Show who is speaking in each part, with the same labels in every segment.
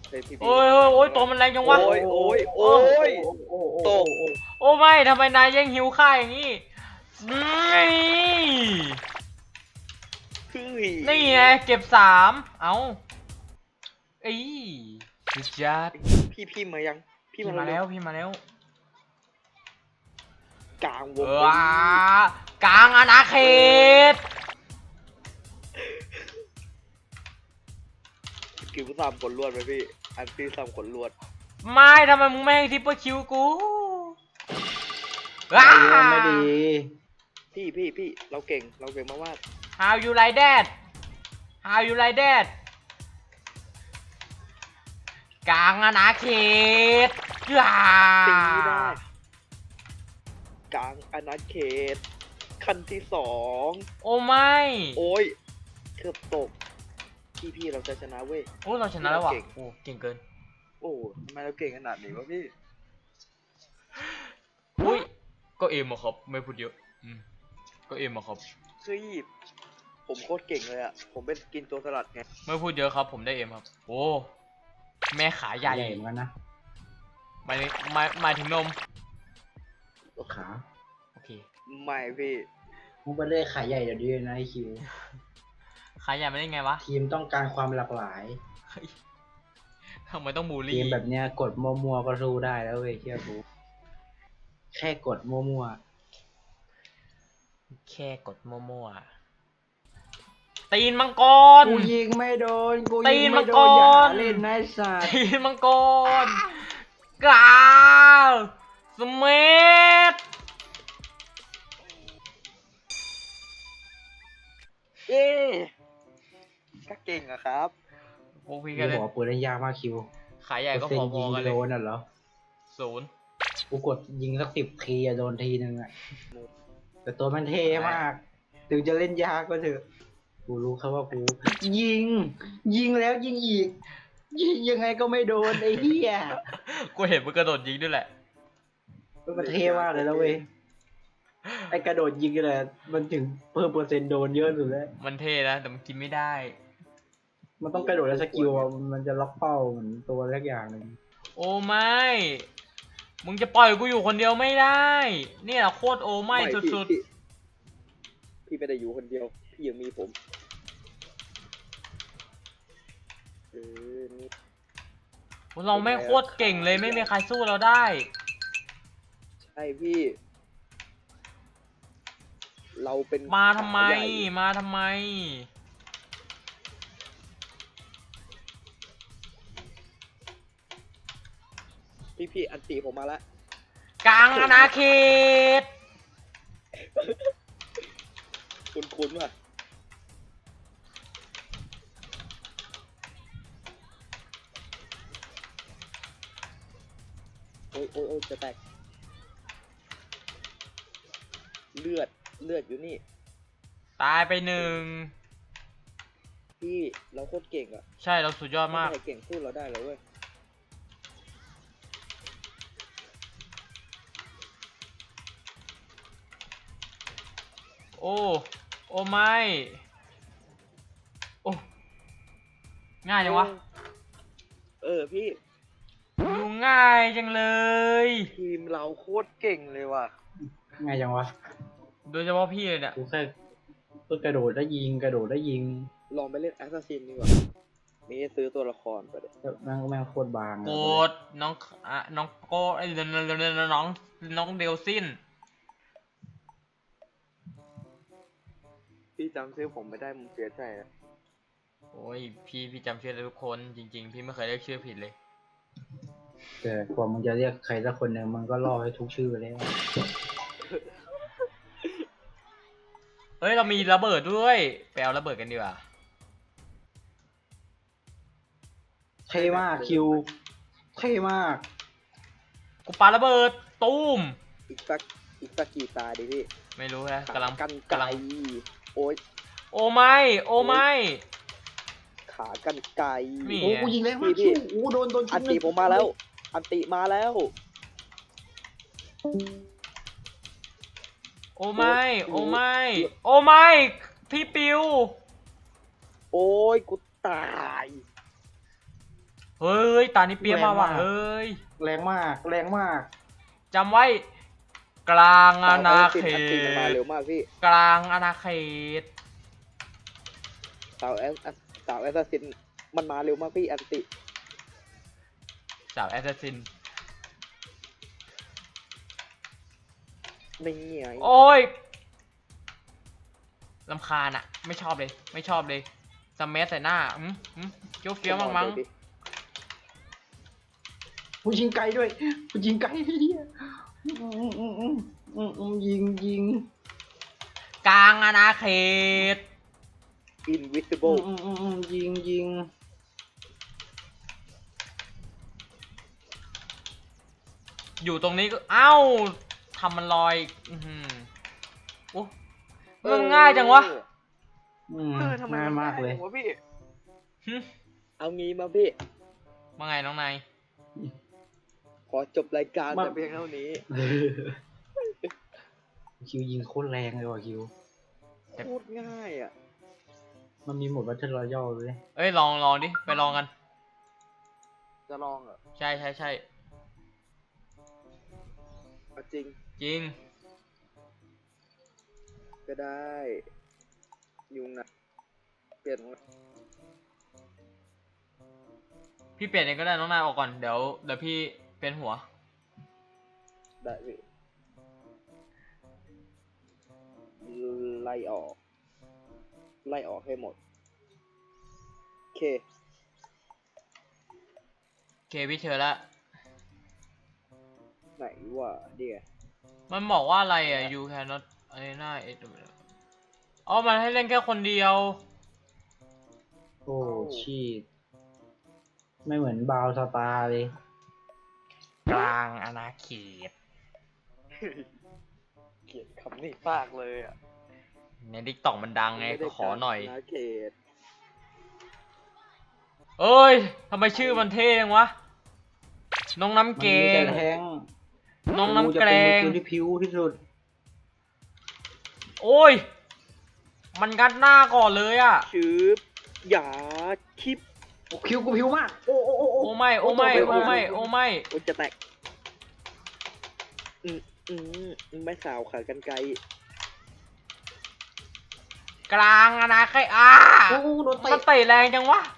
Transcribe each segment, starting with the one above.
Speaker 1: โอ้ยโอ้ยตัวมันแรงจังวะ
Speaker 2: โอ้ยโอ้ยโอ้ยตก
Speaker 1: โอ้ไม่ทำไมนายแย่งหิวข้าอย่างนี้นี่ไงเก็บ3เอาเอ้ยสุดยอด
Speaker 2: พี่มายัง
Speaker 1: พี่มาแล้วพี่มาแล้ว
Speaker 2: กลางวง
Speaker 1: กลางอาณาเขต
Speaker 2: คิวซ้ำขนลวดไปพี่อันซีซ้ำขนลวด
Speaker 1: ไม่ทำไมมึงไม่ให้ทิปเปอร์คิวกู
Speaker 3: ไม่ดี
Speaker 2: พี่เราเก่งมาก
Speaker 1: How you like that How you like that กลางอาณาเขต
Speaker 2: ตีได้กลางอาณาเขตขั้นที่2
Speaker 1: โอ้ไม่
Speaker 2: โอ้ยเกือบตกพี่เราจะชนะเว้ย
Speaker 1: โอ้เราชนะแล้วว่ะโอ้เก่งเกิน
Speaker 2: โอ้ทำไมเราเก่งขนาดนี้วะพี่
Speaker 1: อุ้ยก็เอ็มอะครับไม่พูดเยอะก็เอ็มอะครับ
Speaker 2: คือผมโคตรเก่งเลยอ่ะผมเป็นกินตัวสลัดไง
Speaker 1: ไม่พูดเยอะครับผมได้เอ็มครับโอ้แม่ขาใหญ่
Speaker 3: เหมือนกันนะ
Speaker 1: หมายถึงนม
Speaker 3: ขา
Speaker 1: โอเค
Speaker 2: ไม่พี่
Speaker 3: มึงไปเล่นขาใหญ่เดี๋ยวดีนะไอคิว
Speaker 1: ขาใหญ่ไม่ได้ไงวะ
Speaker 3: ทีมต้องการความหลากหลาย
Speaker 1: ทำไมต้องบูลลี่
Speaker 3: ทีมแบบเนี้ยกดมัวๆก็สู้ได้แล้วเว้ยเชื่อกูแค่กดมัว
Speaker 1: ๆแค่กดมัวๆตีนมังกร
Speaker 3: กูยิงไม่โดนกูยิงไม่โดนอย่าเล่นนายสัตว์
Speaker 1: ตีนมังกรกาวสเมิธ
Speaker 2: ก็เก่งอะครับ
Speaker 1: พวกพี่กันเลย
Speaker 3: บอกปืนเล่นยากมากคิว
Speaker 1: ขายใหญ่ก็พอๆกันเลย
Speaker 3: โดนน่ะเหรอ
Speaker 1: 0
Speaker 3: กูกดยิงสัก10 ทีอะโดนทีนึงอะแต่ตัวมันเท่มากถึงจะเล่นยากก็เถอะกูรู้ครับว่ากูยิงแล้วยิงอีกยิงยังไงก็ไม่โดนไอ้เหี้ย
Speaker 1: กูเห็นมึงกระโดดยิงด้วยแหละ
Speaker 3: มันเท่มากเลยแล้วเว้ยไอ้กระโดดยิงเลยมันถึงเพิ่มเปอร์เซ็นต์โดนเยอะสุดแล้ว
Speaker 1: มันเท่นะแต่มันกินไม่ได้
Speaker 3: มันต้องกระโดดแล้วสกิลมันจะล็อกเป้าเหมือนตัวเล็กอย่างหนึ่ง
Speaker 1: โอ้ไม่มึงจะปล่อยกูอยู่คนเดียวไม่ได้เนี่ยโคตรโอ้ไม่สุด
Speaker 2: ๆพี่ไม่ได้อยู่คนเดียวพี่ยังมีผม
Speaker 1: เราไม่โคตรเก่งเลยไม่มีใครสู้เราได้
Speaker 2: ใช่พี่เราเป็น
Speaker 1: มาทำไม
Speaker 2: พี่อันตีผมมาแล้ว
Speaker 1: กลางอาณาเขต
Speaker 2: คุ้นว่ะโอ้ยจะแตกเลือดอยู่นี่
Speaker 1: ตายไป1
Speaker 2: พี่เราโคตรเก่งอ่ะ
Speaker 1: ใช่เราสุดยอดมาก
Speaker 2: เก่งสู้เราได้เลยเว้ย
Speaker 1: โอ้ไม่โอ้ง่ายจังวะ
Speaker 2: พี่
Speaker 1: ดูง่ายจังเลย
Speaker 2: ทีมเราโคตรเก่งเลยว่ะ
Speaker 3: ง่ายจังวะ
Speaker 1: โดยเฉพาะพี่เลยเนี่ย
Speaker 3: กูแค่กระโดดได้ยิง
Speaker 2: ลองไปเล่นแอสซัสซินดีกว่ามีซื้อตัวละครไปเลย
Speaker 3: แม่งโคตรบาง
Speaker 1: โกดน้องโกไอ้น้องเดลซิน
Speaker 2: พี่จำชื่อผมไม่ได้มึงเสียใจนะ
Speaker 1: โอ้ยพี่จำชื่อทุกคนจริงๆพี่ไม่เคยเรียกชื่อผิดเลย
Speaker 3: แต่กว่ามึงจะเรียกใครสักคนหนึ่งมันก็ล่อให้ทุกชื่อแล้ว
Speaker 1: เฮ้ยเรามีระเบิดด้วยไปเอาระเบิดกันดีกว่า
Speaker 3: เท่มากคิวเท่มาก
Speaker 1: กูปาระเบิดตูม
Speaker 2: อีกสักกี่ตาดิพี่
Speaker 1: ไม่รู้ฮะกำลัง
Speaker 2: โอ้ย
Speaker 1: โอ้ไม่
Speaker 2: ขากันไกล
Speaker 3: โอ้กูยิงแล้วมากคิวโอ้โดน
Speaker 2: อันติผมมาแล้วอันติมาแล้ว
Speaker 1: โอ้ไม่พี่ปิว
Speaker 2: โอ้ยกูตาย
Speaker 1: เฮ้ยตานี้เปียกมาว่ะเฮ้ย
Speaker 3: แรงมากแรงมาก
Speaker 1: จำไว้กลางอาณาเข
Speaker 2: อันติมันมา
Speaker 1: ต
Speaker 2: เร็วมากพี่
Speaker 1: กลางอาณาเขต
Speaker 2: สาวแอสซัสซินมันมาเร็วมากพี่อันติ
Speaker 1: สาวแอสซัสซิน
Speaker 2: ไม่ไง
Speaker 1: โอ้ยลำคาญอะไม่ชอบเลยไม่ชอบเลยสเมัใส่หน้าเฟี้ยวเฟี้ยวมั้ง
Speaker 3: กูยิงไกลด้วยกูยิงไกลเฮียยิง
Speaker 1: กลางอาณาเขต
Speaker 2: อินวิสิเบิล
Speaker 3: ยิง
Speaker 1: อยู่ตรงนี้ก็เอ้าทำมันลอยโอ้มันง่ายจังวะ
Speaker 3: ง่ายมากเลย
Speaker 2: วะพี่
Speaker 1: หึ
Speaker 2: เอางี้มาพี่
Speaker 1: ว่าไงน้องนาย
Speaker 2: ขอจบรายการแต่เพียงเท่านี้
Speaker 3: คิวยิงโคตรแรงเลยว่ะคิว
Speaker 2: โคตรง่ายอ่ะ
Speaker 3: มันมีโหมดวัตเทอร์รอยัลเลย
Speaker 1: เอ้ยลองดิไปลองกัน
Speaker 2: จะลองเหรอ
Speaker 1: ใช่
Speaker 2: เอาจริง
Speaker 1: จริง
Speaker 2: ก็ได้ ยุงนะเปลี่ยนของ
Speaker 1: พี่เปลี่ยนเองก็ได้น้องนายออกก่อนเดี๋ยวพี่เป็นหัว
Speaker 2: ได้พี่ไล่ออกให้หมด โอเค
Speaker 1: เคพี่เชิญละ
Speaker 2: ไหนวะเดี๋ยว
Speaker 1: มันบอกว่าอะไรอ่ะ you cannot อะไรน่าอ๋อมันให้เล่นแค่คนเดียว
Speaker 3: โอ้ชีตไม่เหมือนบาวสตาร์เลย
Speaker 1: กลางอาณาเขต
Speaker 2: เกลียดคำนี้มากเลยอ่ะ
Speaker 1: ในดิกตอกมันดังไงก็ขอหน่อย
Speaker 2: นาเขต
Speaker 1: เอ้ยทำไมชื่อมันเท่จังวะ น้องน้ำเก
Speaker 3: มันมี
Speaker 1: ง
Speaker 3: แต่แทง
Speaker 1: น้องน้ำแกรง
Speaker 3: กูจะเป็นมือปืนที่พิ้วที่สุด
Speaker 1: โอ้ย มันงัดหน้าก่อนเลยอ่ะ
Speaker 2: ชื่ออย่าคิป
Speaker 3: โอ้คิวกูพิ้วมากโอ้
Speaker 1: โอ้ไม่โอ้ไม่โอ้ไม่โอ้ไม่
Speaker 2: โอ้จะแตกไม่สาวขากันไกล
Speaker 1: กลางอาณาเขต
Speaker 3: โอ้โดนเตะ
Speaker 1: มันเตะแรงจังวะ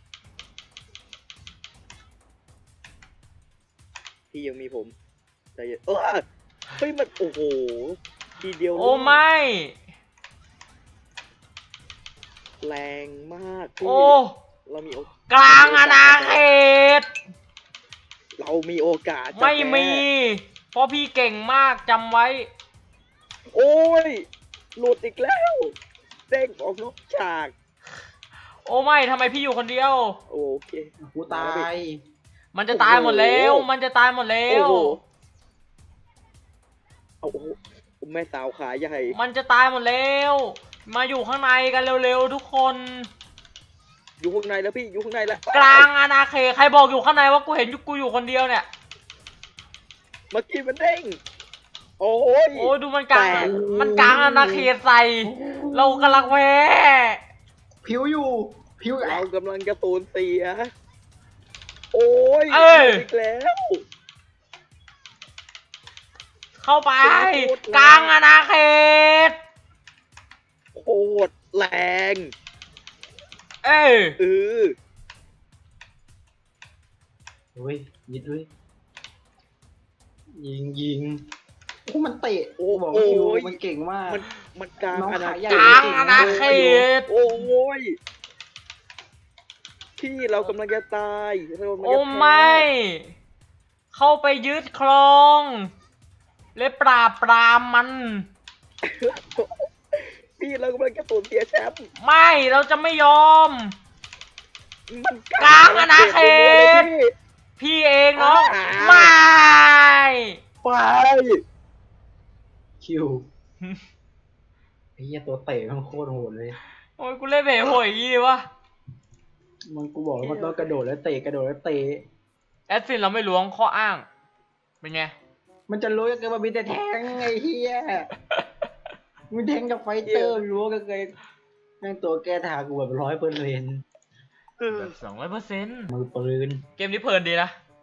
Speaker 2: ที่ยังมีผมใจเย็นเฮ้ยมันโอ้โหทีเดียว
Speaker 1: โอ้ไม่
Speaker 2: แรงมากพี่
Speaker 1: โอ้
Speaker 2: เรามี
Speaker 1: กลางอาณาเขต
Speaker 2: เรามีโอกาสจะ
Speaker 1: ไม่มี
Speaker 2: แพ้
Speaker 1: เพราะพี่เก่งมากจำไว้
Speaker 2: โอ้ยหลุดอีกแล้วเด้งออกนอกฉาก
Speaker 1: โอ้ไม่ทำไมพี่อยู่คนเดียว
Speaker 2: โอเค
Speaker 3: กูตาย
Speaker 1: มันจะตายหมดแล้ว มันจะตายหมดแล้
Speaker 2: โอ้
Speaker 1: ว
Speaker 2: โหโอ้โหแม่สาวขาใหญ่
Speaker 1: มันจะตายหมดแล้ว มาอยู่ข้างในกันเร็วๆทุกคน
Speaker 2: อยู่ข้างในแล้วพี่อยู่ข้างในแล้ว
Speaker 1: กลางอาณาเขตใครบอกอยู่ข้างในว่ากูเห็นกูอยู่คนเดียวเนี่ย
Speaker 2: เมื่อกี้มันเด้งโอ้ย
Speaker 1: โอ้ยดูมันกลาง
Speaker 2: แตก
Speaker 1: มันกลางอาณาเขตใส่ เรากำลังแพ้
Speaker 3: พิ้วอยู่พิ้ว
Speaker 2: เรากำลังจะสูญเสียโอ้ย
Speaker 1: เอ้ย
Speaker 2: อีกแล้ว
Speaker 1: เข้าไป กลางอาณาเขต
Speaker 2: โคตรแรง
Speaker 1: เอ้ย
Speaker 2: เออ
Speaker 3: เฮ้ยยิดด้วยยิงโอ้มันเตะโอ้บอกว่าคิวมันเก่งมาก
Speaker 2: มันกลาง
Speaker 3: น้อง
Speaker 2: อาณา
Speaker 3: ขาใหญ่
Speaker 2: เข
Speaker 1: กลาง
Speaker 2: ต
Speaker 1: อาณาเขต
Speaker 2: โอ้ยพี่เรากำลังจะตายเรากำลัง
Speaker 1: โอ้
Speaker 2: จะแพ้
Speaker 1: ไม่ เข้าไปยึดครอง และปราบปรามมัน
Speaker 2: พี่เรากำลังจะสูญเสียแชมป์
Speaker 1: ไม่เราจะไม่ยอม
Speaker 2: มัน
Speaker 1: กลางอาณาเขต พี่เองเนาะไม่
Speaker 2: ไป
Speaker 3: คิวไอ้เหี้ยตัวเตะมันโคตรโหดเลย
Speaker 1: โอ้ยกูเล่นเบ๋โหยอย่างงี้ดิวะ
Speaker 3: มันกูบอกแล้วมันต้องกระโดดแล้วเตะกระโดดแล้วเตะ
Speaker 1: แอดซินเราไม่ล้วงข้ออ้าง เป็นไง
Speaker 3: มันจะรู้ยังไงว่ามีแต่แทงไอ้เหี้ยมีแทงกับไฟเตอร์รู้กันเลยแม่งตัวแก้ทางกูแบบ100%เ
Speaker 1: แบบ200%
Speaker 3: มือปืน
Speaker 1: เกมนี้เพลินดีนะ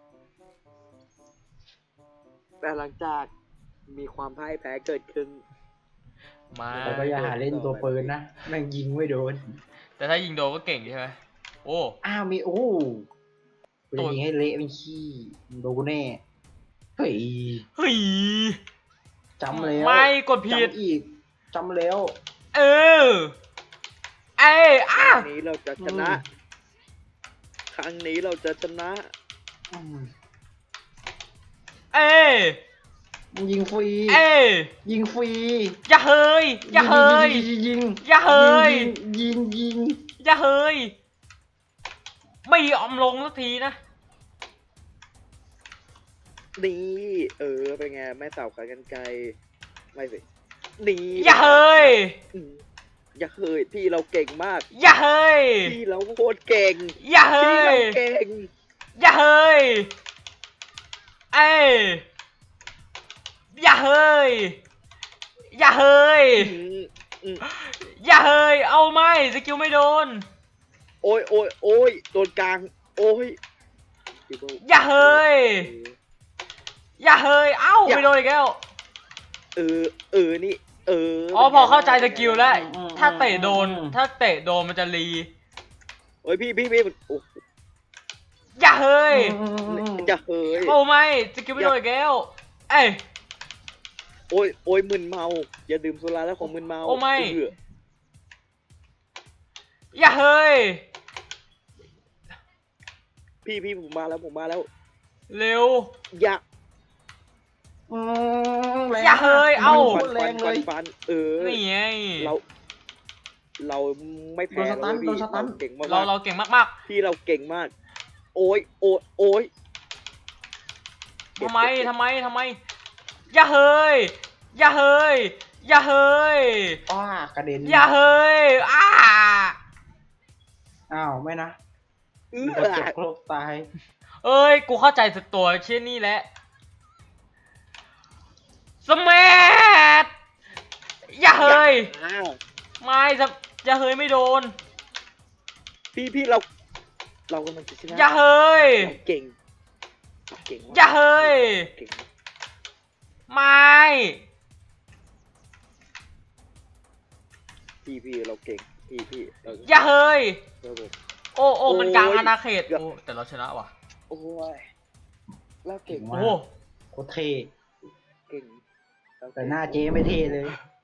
Speaker 2: แต่หลังจากมีความพ่ายแพ้เกิดขึ้น
Speaker 1: มา
Speaker 3: แต่ก็อย่าหาเล่นตัวปืนนะแม่งยิงไม่โดน
Speaker 1: แต่ถ้ายิงโดนก็เก่งใช่ไหมโอ้
Speaker 3: อ้าวมีโอ้กูจะยิงให้เละเป็นขี้โดนกูแน่เฮ้ย
Speaker 1: เฮ้ย
Speaker 3: จำแล้ว
Speaker 1: ไม่กดผิด
Speaker 3: จำอีกจำแล้ว
Speaker 1: เออเอ้ย
Speaker 2: ค
Speaker 1: อ้า
Speaker 2: รั้งนี้เราจะชนะ ครั้งนี้เราจะชนะ
Speaker 3: อืม
Speaker 1: เอ้ย
Speaker 3: มึงยิงฟรี
Speaker 1: เอ้ย
Speaker 3: ยิงฟรี
Speaker 1: อย่าเฮยอย่าเฮย
Speaker 3: ยิง
Speaker 1: อย่าเฮย
Speaker 3: ยิง
Speaker 1: อย่าเฮยไม่ยอมลงสักทีนะ
Speaker 2: นี่เป็นไงแม่สาวขายกันไกลไม่สินี่
Speaker 1: อย่าเฮย
Speaker 2: อืมอย่าเฮยพี่เราเก่งมาก
Speaker 1: อย่าเฮย
Speaker 2: พี่เราโคตรเก่ง
Speaker 1: อย่าเฮ
Speaker 2: พี่เรา
Speaker 1: ย
Speaker 2: เก่ง
Speaker 1: อย่าเฮยเอ้ยอย่าเฮยอย่าเฮย
Speaker 2: อืมอืม
Speaker 1: อย่าเฮยเอาไม่สกิลไม่โดน
Speaker 2: โอ้ยโดนกลางโอ้ย
Speaker 1: อย่าเฮยอย่าเฮยเอ้าไม่โดนอีกแล้ว
Speaker 2: นี่
Speaker 1: อ๋อพอเข้าใจสกิลแล้ว ถ้าเตะโดนมันจะรี
Speaker 2: โอ้ยพี่โอ้
Speaker 1: อย่าเฮย
Speaker 2: อย่าเฮย
Speaker 1: โอ้ไม่สกิลไม่โดนอีกแล้วเอ้ย
Speaker 2: โอ้ยมึนเมา อย่าดื่มสุราแล้วของมึนเมา
Speaker 1: โอ้ไม่
Speaker 2: เออ
Speaker 1: อย่าเฮย
Speaker 2: พี่ผมมาแล้ว
Speaker 1: เร็ว
Speaker 2: อย่า
Speaker 1: อย่าเฮยเอ้า
Speaker 2: ฟัน
Speaker 1: นี่ไง
Speaker 2: เราไม่แพ้
Speaker 3: โดนสตัน
Speaker 2: พี่
Speaker 3: โดนสตัน
Speaker 2: เราเก่งมาก
Speaker 1: เราเก่งมาก
Speaker 2: พี่เราเก่งมาก โอ้ย
Speaker 1: ๆทำไมอย่าเฮยอย่าเฮยอย่าเฮย
Speaker 3: อ้ากระเด็น
Speaker 1: อย่าเฮยอ้า
Speaker 3: อ้าวไม่นะ
Speaker 2: เอ
Speaker 3: มันจะ
Speaker 2: อ
Speaker 3: จบโลกตาย
Speaker 1: เอ้ยกูเข้าใจสักตัวเช่นนี้แหละสมัทอย่าเฮย
Speaker 2: อ้าว
Speaker 1: ไม่อย่าเฮยไม่โดน
Speaker 2: พี่เรากำลังจะชนะ
Speaker 1: อย่าเฮย
Speaker 2: เราเก่งมาก
Speaker 1: อย่าเฮย
Speaker 2: เก่งมาก
Speaker 1: ไม่
Speaker 2: พี่เราเก่งพี่เรา
Speaker 1: อย่าเฮย
Speaker 2: เราเก่ง
Speaker 1: โอ้มันกลาง
Speaker 2: โอ้ย
Speaker 1: อาณาเขต
Speaker 2: เกือบ
Speaker 1: โอ้แต่เราชนะว่ะ
Speaker 2: โอ้ยเราเก่ง
Speaker 3: ว้า
Speaker 1: โอ้
Speaker 3: โคตรเท่
Speaker 2: เก่งเรา
Speaker 3: แต่
Speaker 2: เก่ง
Speaker 3: หน้าเจ๊ไม่เท่เลย